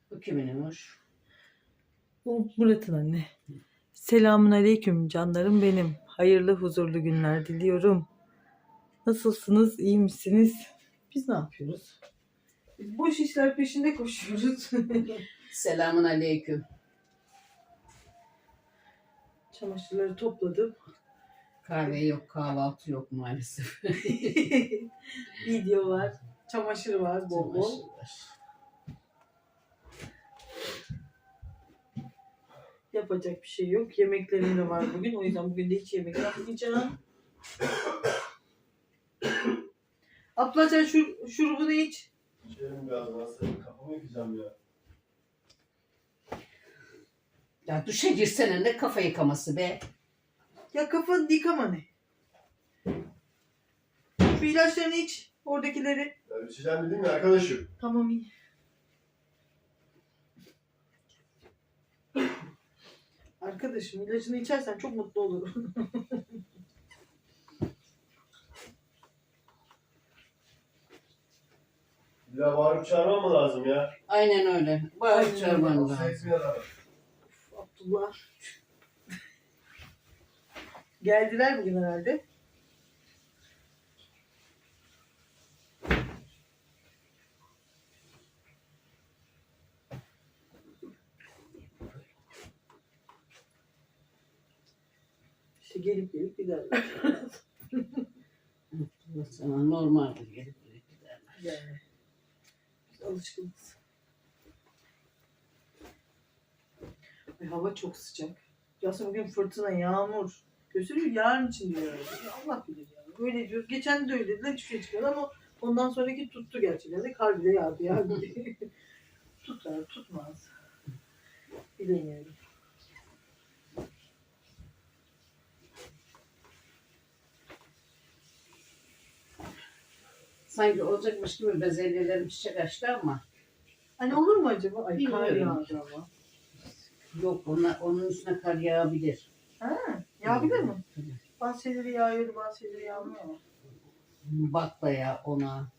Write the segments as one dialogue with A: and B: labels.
A: Bu kimin hoş?
B: Bu Murat'ın anne. Selamun aleyküm canlarım benim. Hayırlı huzurlu günler diliyorum. Nasılsınız? İyi misiniz? Biz ne yapıyoruz? Biz boş işler peşinde koşuyoruz.
A: Selamun aleyküm.
B: Çamaşırları topladım.
A: Kahve yok, kahvaltı yok maalesef.
B: Video var. Çamaşır var bol bol.
A: Çamaşır var.
B: Yapacak bir şey yok. Yemeklerim de var bugün. O yüzden bugün de hiç yemek yapmayacağım. Abla sen şurubunu iç.
C: İçerim biraz nasıl? Kafamı yıkayacağım ya.
A: Ya duşa girsene, ne kafa yıkaması be.
B: Ya kafanı yıkama ne? Şu ilaçlarını iç. Oradakileri.
C: Ya içeceğim dedim ya arkadaşım.
B: Tamam iyi. Arkadaşım ilacını içersen çok mutlu olurum.
C: Bir daha bağırıp çağırmam mı lazım ya?
A: Aynen öyle. Bağırıp çağırman
C: Nasıl
A: lazım.
C: etmiyor adam?
B: Abdullah. Geldiler bugün herhalde. İşte gelip giderler.
A: Sana normaldir gelip giderler.
B: Yani. Biz alışkınız. Ay, hava çok sıcak. Aslında bugün fırtına, yağmur. Gösteriyor yarın için diyor. Ya Allah bilir ya. Öyle diyoruz. Geçen de öyle dediler. Hiçbir şey çıkmadı ama ondan sonraki tuttu gerçekten de. Kar bile yağdı ya. Tutar, tutmaz. Bilemiyorum.
A: Sanki olacakmış gibi bezelyelerim çiçek açtı ama
B: Hani olur mu acaba? Ay kar
A: Bilmiyorum.
B: yağdı ama.
A: yok, onun üstüne kar yağabilir.
B: Ha, yağabilir mi? Bazı şeyleri yağıyordu, bazı şeyleri yağmıyor ama.
A: Bakla ya ona.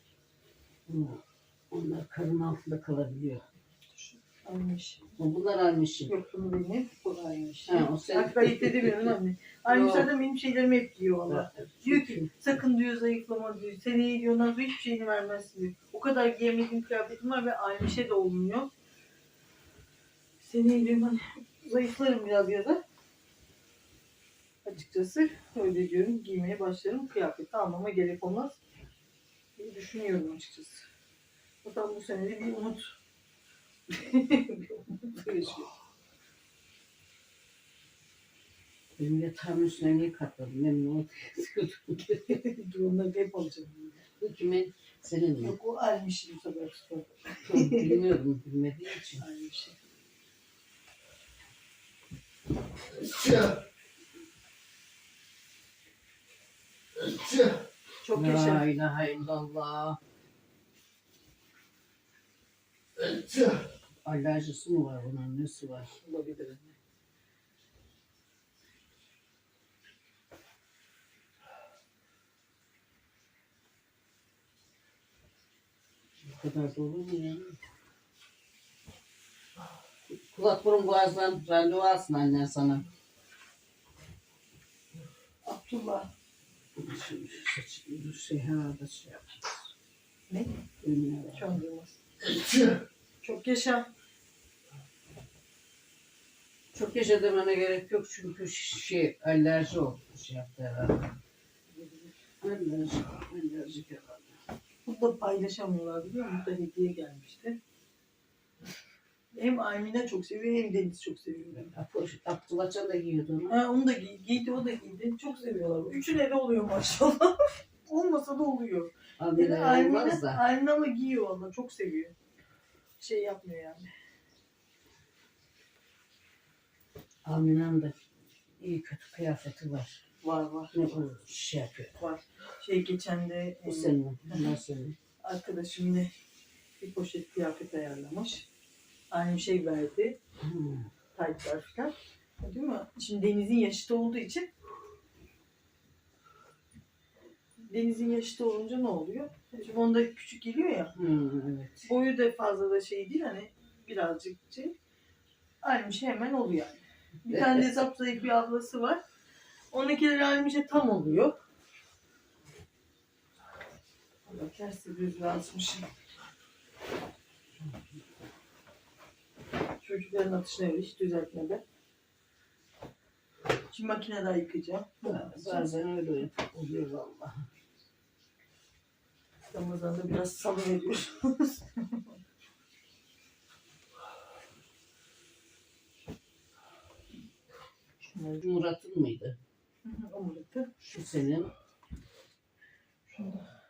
A: Onlar karın altında kalabiliyor.
B: Almış.
A: Bunlar almışım.
B: Yok bunu benim. Bu aynıymış.
A: Ha, o senin.
B: Hatta ayırt edemiyorum anne. Aynı
A: Yok.
B: zaten benim şeylerimi hep diyor valla. Diyor ki sakın diyor zayıflama diyor. Seneye diyor ondan sonra hiçbir şeyini vermezsin diyor. O kadar giyemediğim kıyafetim var ve aynı şey de olmuyor. Seneye diyorum hani zayıflarım biraz ya da. Açıkçası öyle diyorum giymeye başlarım. Kıyafeti almama gerek olmaz diye düşünüyorum açıkçası. Zaten bu sene de bir umut. Bir umut yaşıyor.
A: Benim yatağımın üstüne niye katladın? Memnun oldum.
B: Dur onları hep alacağım.
A: Bu kimin? Senin mi?
B: Yok o almış bu sefer tutar.
A: Çok bilmiyorum, bilmediğim için.
B: Aynı şey. Çok
A: La
B: yaşa.
A: ilahe illallah. Alerjisi mi var bunun? Nesi var?
B: Olabilir.
A: Bu kadar da olur mu ya? Kulak burun boğazdan randevu alsın annen sana.
B: Abdullah.
A: Şimdi şu saçını herhalde şey yapacağız.
B: Ne?
A: Bilmiyorum.
B: Şu an duymaz. Çok yaşa.
A: Çok yaşa demene gerek yok çünkü alerji oldu. Şey yaptı herhalde. Alerji herhalde.
B: Burada paylaşamıyorlar biliyor musun? Burada hediye gelmişti. Hem Aymine çok seviyor hem Deniz çok seviyor.
A: Abdullah Can da giyiyordu onu.
B: Ha, onu da giydi, o da giydi. Çok seviyorlar. Üçüne de oluyor maşallah. Olmasa da oluyor. Yani
A: Olmaz da.
B: Aymine ama giyiyor valla. Çok seviyor. Şey yapmıyor yani.
A: Amina'nın da iyi kötü kıyafeti var.
B: Var.
A: Ne bu şey yapıyor.
B: Var. Geçen de
A: Bu senin. Bunlar senin.
B: arkadaşım yine bir poşet kıyafet ayarlamış. Aynı şey verdi. Taytlar falan. Değil mi? Şimdi Deniz'in yaşıtı olduğu için Deniz'in yaşıtı olunca ne oluyor? Şimdi onda küçük geliyor ya.
A: Evet.
B: Boyu da fazla da şey değil hani birazcık şey. Almış hemen oluyor yani. Bir tane de zayıf bir ablası var. Onunkiler Almış'a tam oluyor. Allah kersi düz yazmışım. Çocukların atışını öyle hiç düzeltmeden. Şimdi makinede yıkayacağım.
A: Bazen öyle oluyor valla.
B: Ramazan'da biraz salı veriyoruz.
A: Murat'ın mıydı?
B: O Murat'ı.
A: Şu senin.
B: Şurada.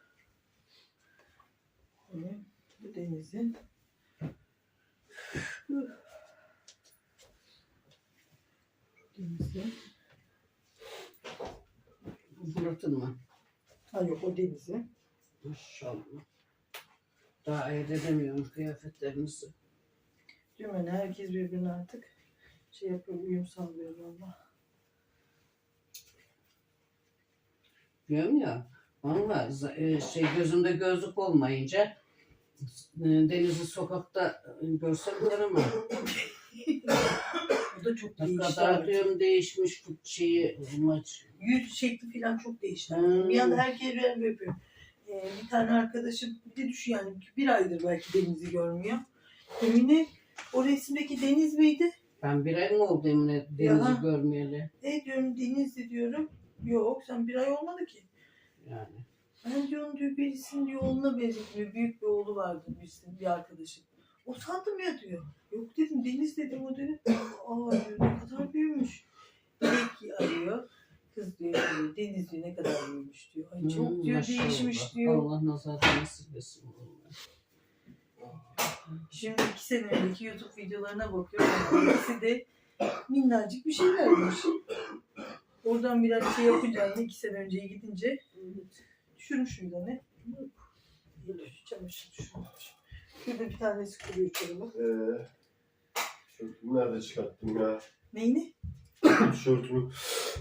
B: Bu Deniz'in. Deniz'in.
A: Murat'ın mı?
B: Ha yok o Deniz'in.
A: Maşallah. Daha ayırt edemiyorum kıyafetlerinizi.
B: Diyorum yani herkes birbirine artık şey yapıyor, uyum sağlıyor valla.
A: Diyorum ya. Valla gözümde gözlük olmayınca Deniz'i sokakta görsem ama
B: Bu da çok
A: ne
B: değişti
A: kadar
B: artık.
A: diyorum değişmiş maç.
B: Yüz şekli falan çok değişti.
A: Hmm.
B: Bir anda herkes böyle yapıyor. Bir tane arkadaşım bir de düşün yani bir aydır belki Deniz'i görmüyor. Emine o resimdeki Deniz miydi?
A: Ben bir ay mı oldu Emine Deniz'i
B: Ya.
A: görmeyeli?
B: Diyorum Deniz'di diyorum. Yok sen bir ay olmadı ki.
A: Yani.
B: Ben diyorum diyor birisinin diyor oğluna benzetiyor. Büyük bir oğlu vardı birisinin bir arkadaşım. O sandım ya diyor. Yok dedim Deniz dedim o dedi. Aa diyor ne kadar büyümüş. Dilek arıyor. Kız diyor Deniz diyor ne kadar büyümüş diyor. Ay çok diyor
A: maşallah.
B: değişmiş diyor.
A: Allah nazardan nasiplesin.
B: Şimdi 2 sene önceki YouTube videolarına bakıyorum. İkisi de minnacık bir şeylermiş. Oradan biraz şey yapınca anne 2 sene önceye gidince düşürmüş müydü anne? Çamaşır düşürmüş. Şurada bir tanesi kuruyor çorabı.
C: Tişörtümü nerede çıkarttım ya?
B: Neyini?
C: Tişörtümü.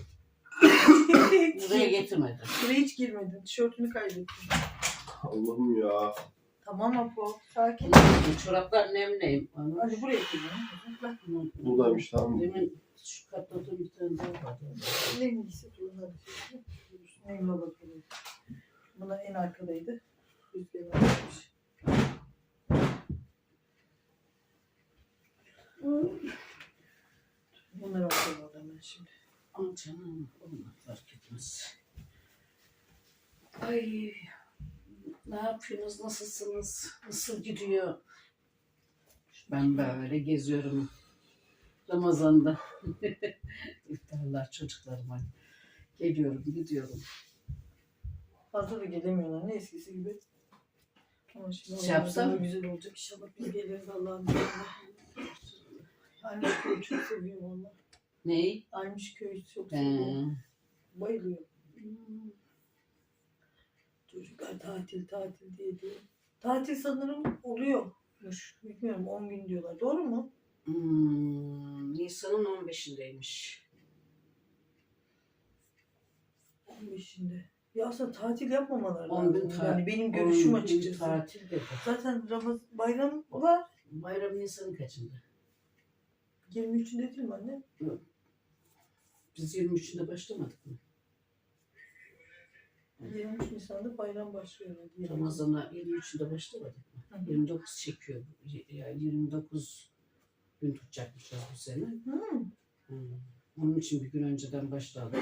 A: Buraya getirmedim.
B: Buraya hiç girmedin. Tişörtünü kaybettin.
C: Allah'ım ya.
B: Tamam Apo. Sakin.
A: Çoraplar nemleyim.
B: Hadi buraya gidelim.
C: Buradaymış tamam.
A: Demin şu katladığım bir tane daha vardı.
B: Nemliyse durun hadi. Nemli bakalım. Buna en arkadaydı. Rüzgar almış. Bunları atalım oradan ben şimdi.
A: Ama canım onlar fark etmez. Ay ne yapıyorsunuz? Nasılsınız? Nasıl gidiyor? Ben böyle geziyorum. Ramazan'da. İftarlar çocuklarıma. Geliyorum, gidiyorum.
B: Fazla da gelemiyorlar. Ne eskisi gibi. Ama şimdi
A: Şey yapsam
B: daha
A: mı?
B: güzel olacak. İnşallah biz geliriz Allah'ın izniyle. Almış köyü çok seviyorum valla.
A: Ney?
B: Almış köyü çok seviyorum.
A: He.
B: Bayılıyorum. Çocuklar tatil diye diyor. Tatil sanırım oluyormuş. Bilmiyorum 10 gün diyorlar. Doğru mu?
A: Nisan'ın 15'indeymiş.
B: 15'inde. Ya aslında tatil yapmamaları
A: 10 gün
B: lazım. Yani benim görüşüm
A: 10 gün
B: açıkçası.
A: tatil dedi.
B: Zaten bayram var.
A: Bayram Nisan'ın kaçında?
B: 23'ünde değil mi anne?
A: Biz 23'ünde başlamadık mı?
B: 23 Nisan'da bayram başlıyor.
A: Ramazan'a 23'ünde başlamadık mı?
B: Hı hı.
A: 29 çekiyor. Yani 29 gün tutacakmışız bu sene. Onun için bir gün önceden başladık.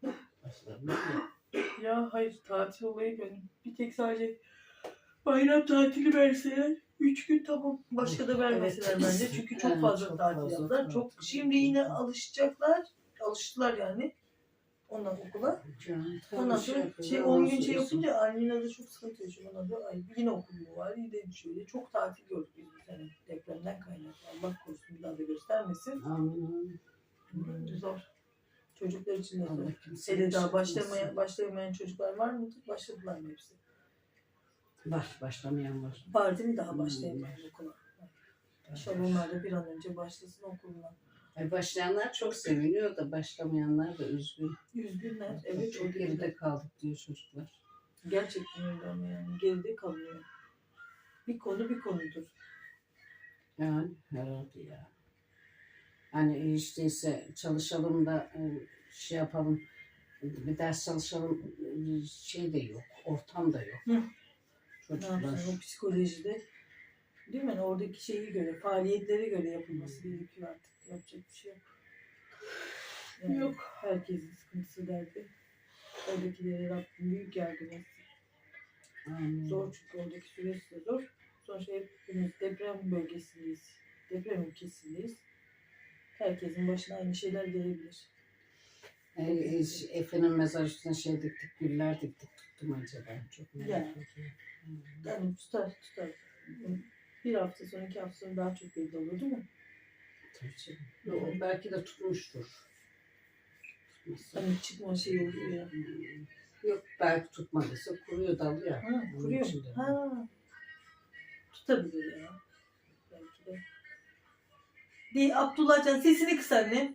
B: Ya hayır tatil olayı benim. Bir tek sadece bayram tatili verseler 3 gün tamam. Başka da vermeseler
A: Evet.
B: bence. Çünkü çok fazla
A: Çok
B: tatil
A: fazla
B: yaptılar.
A: tatil.
B: Çok şimdi yine alışacaklar. Alıştılar yani. Ondan okula. Ondan sonra 10 gün şey yapınca Almina da çok sıkıntı yaşıyor. Ondan sonra ay yine okul mu var yine şöyle. Çok tatil gördük biz bu sene. Depremden kaynaklı. Allah korusun bir daha da göstermesin.
A: Amin.
B: Zor. Çocuklar için de zor.
A: Allah kimseye
B: Hele
A: bir
B: daha
A: şey yapmasın.
B: başlayamayan çocuklar var mı? Başladılar mı hepsi?
A: Var, başlamayan var.
B: Var değil mi daha başlayamayan okula? İnşallah onlar da bir an önce başlasın okuluna.
A: Başlayanlar çok seviniyor da başlamayanlar da üzgün.
B: Üzgünler. Evet
A: Çok geride kaldık diyor çocuklar.
B: Gerçekten öyle ama yani geride kalıyor. Bir konu bir konudur.
A: Yani herhalde ya. Hani işte ise çalışalım da şey yapalım. Bir ders çalışalım şey de yok. Ortam da yok.
B: Hı. Ne
A: Çocuklar.
B: yapsın o psikolojide? Değil mi? Yani oradaki şeyi göre, faaliyetlere göre yapılması gerekiyor artık. Yapacak bir şey yok. Yani
A: Yok.
B: herkesin sıkıntısı derdi. Oradakilere Rabbim büyük yardım etsin. Zor çünkü oradaki süreç de zor. Sonuçta hepimiz deprem bölgesindeyiz. Deprem ülkesindeyiz. Herkesin başına aynı şeyler gelebilir.
A: Efe'nin mezar üstüne şey diktik, güller diktik. Tuttum acaba. Çok merak
B: Yani.
A: ediyorum.
B: Yani tutar. Bir hafta sonra, 2 hafta sonra daha çok belli olur değil mi?
A: Tabii canım. O belki de tutmuştur. Tutmazsa.
B: Hani çıkma şey oluyor ya.
A: Yok belki tutmadıysa kuruyor dalıyor.
B: Ha, kuruyor mu? Ha. Tutabilir ya. Belki de. Abdullah Can sesini kıs anne.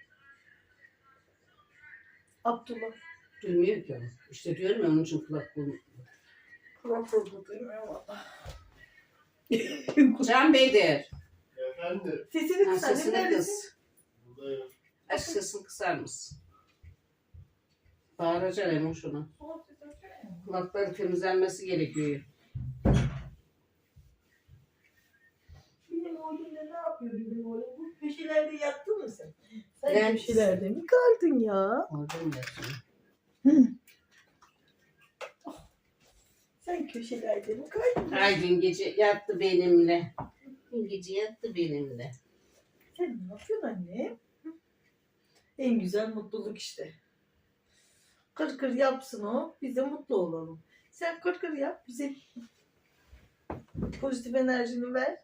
B: Abdullah.
A: Duymuyor ki o. İşte diyorum ya onun için kulak bulmuyor.
B: Kulak kurdu duymuyor valla.
A: Can Bey'dir.
C: Efendim.
B: Sesini
A: Ha,
B: kıs anne.
A: sesini
B: Neredesin?
A: kız.
C: Buradayım.
A: Aç sesini kısar mısın? Bağıracaksın Emo şuna. Kulakları temizlenmesi gerekiyor.
B: Benim oğlum da ne yapıyor benim oğlum? Bu köşelerde yattın mı sen? Sen
A: Ben-
B: köşelerde mi kaldın ya?
A: Orada mı yatıyor?
B: Sen köşelerde mi kaldın?
A: Ay dün gece yattı benimle. Dün gece yattı benimle.
B: Sen ne yapıyorsun anne? En güzel mutluluk işte. Kır kır yapsın o. Biz de mutlu olalım. Sen kır kır yap. Bize pozitif enerjini ver.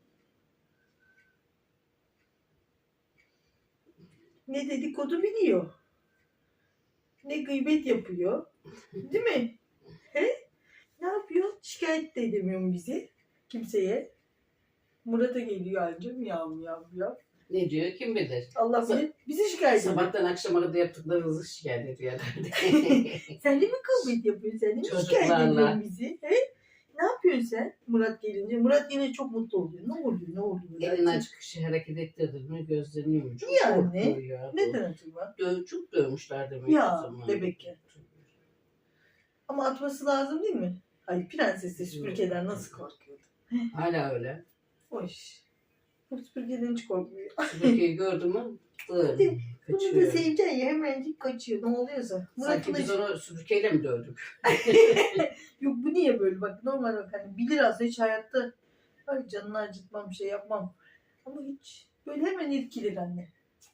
B: Ne dedikodu biliyor. Ne gıybet yapıyor. Değil mi? He? Ne yapıyor? Şikayet de edemiyorum bizi. Kimseye. Murat'a geliyor anca miyav miyav miyav.
A: Ne diyor kim bilir.
B: Allah bilir. Bizi şikayet ediyor.
A: Sabahtan akşama kadar yaptıklarınızı şikayet ediyor herhalde.
B: Sen de mi kavga yapıyorsun? Sen de mi şikayet
A: Çocuklarla.
B: ediyorsun bizi? He? Ne yapıyorsun sen Murat gelince? Murat yine çok mutlu oluyor. Ne oluyor? Ne oluyor?
A: Elini açık kişi hareket ettirdi mi gözleniyor. Çok
B: Niye anne?
A: korkuyor ya.
B: Neden acaba?
A: Çok dövmüşler demek
B: Ya,
A: o zaman.
B: bebekken. Ama atması lazım değil mi? Ay prenses de süpürgeden nasıl korkuyordu?
A: Hala öyle.
B: Hoş. Bu süpürgeden hiç korkmuyor.
A: Süpürgeyi gördü mü? Dur.
B: Bunu da
A: Kaçıyor.
B: seveceksin ya hemencik kaçıyor. Ne oluyorsa.
A: Sanki
B: Murat'ın
A: biz
B: da...
A: onu süpürgeyle mi dövdük?
B: Yok bu niye böyle bak normal bak hani bilir aslında hiç hayatta ay canını acıtmam bir şey yapmam. Ama hiç böyle hemen irkilir anne.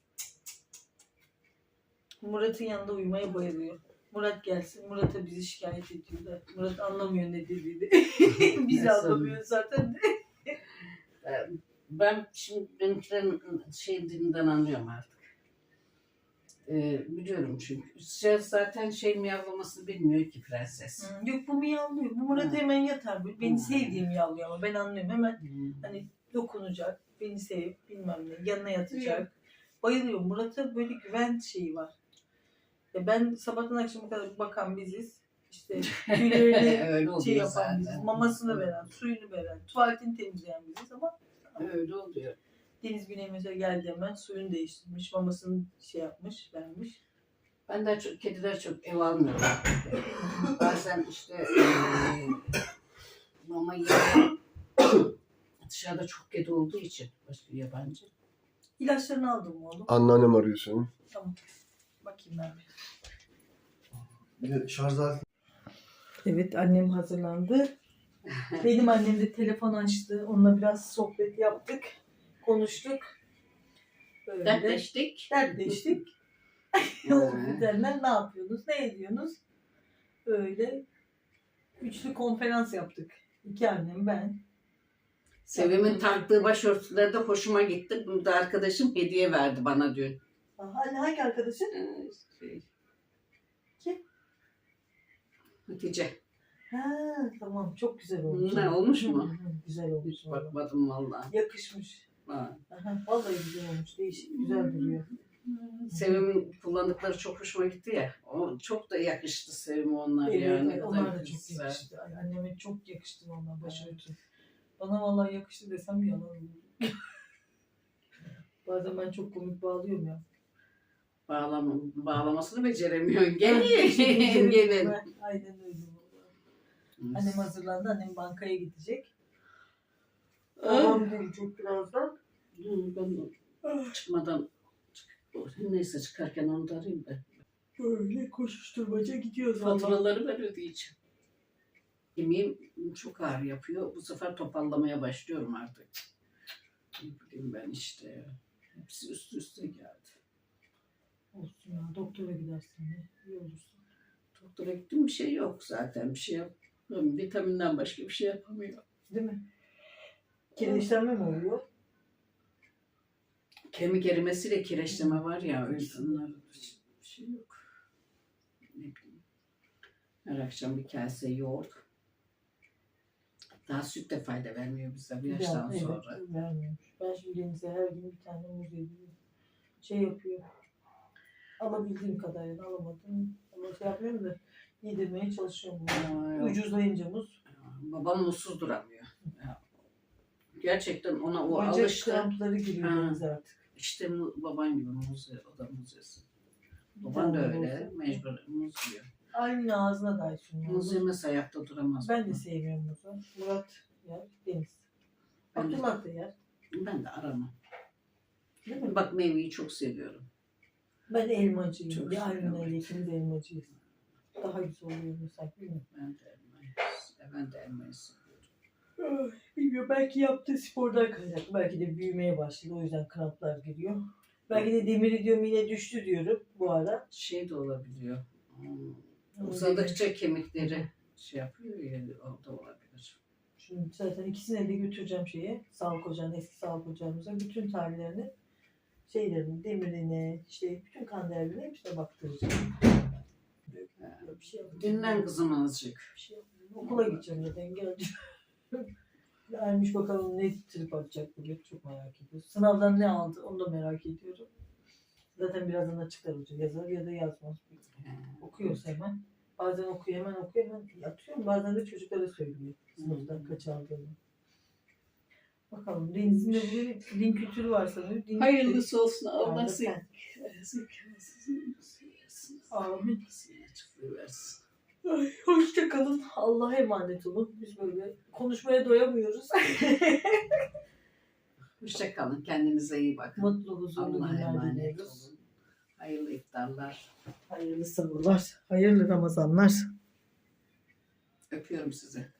B: Murat'ın yanında uyumaya bayılıyor. Murat gelsin. Murat'a bizi şikayet ediyor da. Murat anlamıyor ne dediğini. Bizi
A: Nasıl?
B: anlamıyor zaten de.
A: Ben şimdi benimkilerin şey dilinden anlıyorum artık. Biliyorum çünkü. Zaten şey miyavlamasını bilmiyor ki prenses.
B: Yok bu miyavlıyor. Bu Murat
A: Hı.
B: hemen yatar böyle. Beni
A: Hı.
B: sevdiğim miyavlıyor ama ben anlıyorum. Hemen
A: Hmm.
B: hani dokunacak. Beni sev bilmem ne. Yanına yatacak. Bayılıyor. Murat'a böyle güven şeyi var. Ya ben sabahtan akşama kadar bakan biziz. İşte tüylerini
A: Öyle oluyor
B: şey yapan
A: zaten.
B: biziz. Mamasını veren, suyunu veren, tuvaletini temizleyen biziz ama
A: Öyle oluyor.
B: Deniz Güney mesela geldi hemen suyunu değiştirmiş, mamasını şey yapmış, vermiş.
A: Ben de çok, kediler çok ev almıyorum. Bazen işte mama yiyor. Dışarıda çok kedi olduğu için başka yabancı.
B: İlaçlarını aldım mı oğlum?
C: Anneannem arıyor seni.
B: Tamam. Bakayım ben bir.
C: Bir de şarj aleti.
B: Evet annem hazırlandı. Benim annem de telefon açtı. Onunla biraz sohbet yaptık. Konuştuk. Böyle.
A: Dertleştik.
B: Dertleştik. Üzerinden ne yapıyorsunuz? Ne ediyorsunuz? Öyle üçlü konferans yaptık. 2 annem ben.
A: Sevim'in taktığı başörtüleri de hoşuma gitti. Bunu da arkadaşım hediye verdi bana dün.
B: Hangi arkadaşın? Kim?
A: Hatice.
B: Ha tamam çok güzel olmuş.
A: Ne olmuş mu?
B: Hı, güzel olmuş.
A: Hiç bakmadım vallahi.
B: Yakışmış.
A: Ha.
B: Aha, vallahi güzel olmuş. Değişik güzel duruyor.
A: Sevim'in kullandıkları çok hoşuma gitti ya. O çok da yakıştı Sevim'e onlar
B: Evet,
A: yani.
B: evet,
A: Ne
B: onlar
A: kadar
B: da çok
A: güzel.
B: yakıştı. Ay, anneme çok yakıştı vallahi başörtü. Bana vallahi yakıştı desem yalan olur. Bazen ben çok komik bağlıyorum ya.
A: Bağlamasını beceremiyorsun. Gelin. Gelin.
B: Aynen öyle. Annem hazırlandı. Annem bankaya gidecek. Babam gelecek birazdan.
A: Ben çıkmadan neyse çıkarken onu da arayayım da.
B: Böyle koşuşturmaca gidiyoruz. Vallahi.
A: Faturaları ben ödeyeceğim. Yemeğim çok ağır yapıyor. Bu sefer toparlamaya başlıyorum artık. Ne bileyim ben işte. Hepsi üst üste geldi.
B: Olsun ya. Doktora gidersin de. İyi olursun.
A: Doktora gittim bir şey yok zaten. Bir şey yapmıyorum. Vitaminden başka bir şey yapamıyor.
B: Değil mi? Kireçlenme mi oluyor?
A: Kemik erimesiyle kireçleme var ya. Öyle onlar bir şey yok. Ne bileyim. Her akşam bir kase yoğurt. Daha süt de fayda vermiyor bize bu yaştan
B: Evet,
A: sonra.
B: vermiyormuş. Ben şimdi Deniz'e her gün bir tane muz yediyorum. Şey yapıyor. Alabildiğim kadarıyla alamadım. Ama şey yapıyorum da yedirmeye çalışıyorum.
A: Ay,
B: Ucuzlayınca muz.
A: babam mutsuz duramıyor. Ya, gerçekten ona o
B: Bacak
A: alıştı.
B: krampları giriyor
A: Ha.
B: Deniz'e artık.
A: İşte baban gibi muz, o da muz yesin. Baban da öyle, mecbur muz yiyor.
B: Aynı ağzına da sunuyor.
A: Muz yemez ayakta duramaz.
B: Ben de sevmiyorum muzu. Murat yer, Deniz.
A: Ben de,
B: Abdullah da yer.
A: ben de aramam.
B: Değil mi?
A: Bak meyveyi çok seviyorum.
B: Ben elmacıyım.
A: Çok
B: Bir Almina
A: seviyorum.
B: ile ikimiz elmacıyız. Daha güzel oluyor mesela. Bilmiyorum.
A: Ben de elmayı seviyorum.
B: Bilmiyorum. Belki yaptığı spordan kaynaklı. Belki de büyümeye başladı. O yüzden kramplar giriyor. Belki de demiri diyorum yine düştü diyorum bu ara.
A: Şey de olabiliyor.
B: Ama
A: Uzadıkça kemikleri şey yapıyor ya, o da olabilir.
B: Şimdi zaten ikisine de götüreceğim şeye. Sağlık ocağına, eski sağlık ocağımıza. Bütün tarihlerini, şeylerini, demirini, işte bütün kan değerlerini hepsine baktıracağım. Bir şey yapacağım.
A: Dinlen kızım azıcık.
B: Bir şey yapacağım. Okula gideceğim zaten geleceğim. Ermiş bakalım ne trip atacak bugün. Çok merak ediyoruz. Sınavdan ne aldı onu da merak ediyorum. Zaten birazdan açıklar hoca. Yazar ya da yazmaz. Okuyorsa hemen. Bazen okuyor hemen yatıyorum. Bazen de çocuklara söylüyor. Sınıftan kaç aldığını. Bakalım Deniz'in de bugün din kültürü var sanırım. Din
A: Hayırlısı olsun.
B: Allah
A: Allah
B: sen. Amin.
A: versin.
B: Ay, hoşça kalın. Allah'a emanet olun. Biz böyle konuşmaya doyamıyoruz.
A: Hoşça kalın. Kendinize iyi bakın.
B: Mutlu, huzurlu
A: Allah'a
B: günler
A: emanet
B: diliyoruz.
A: olun. Hayırlı iftarlar.
B: Hayırlı sabırlar. Hayırlı Ramazanlar.
A: Öpüyorum sizi.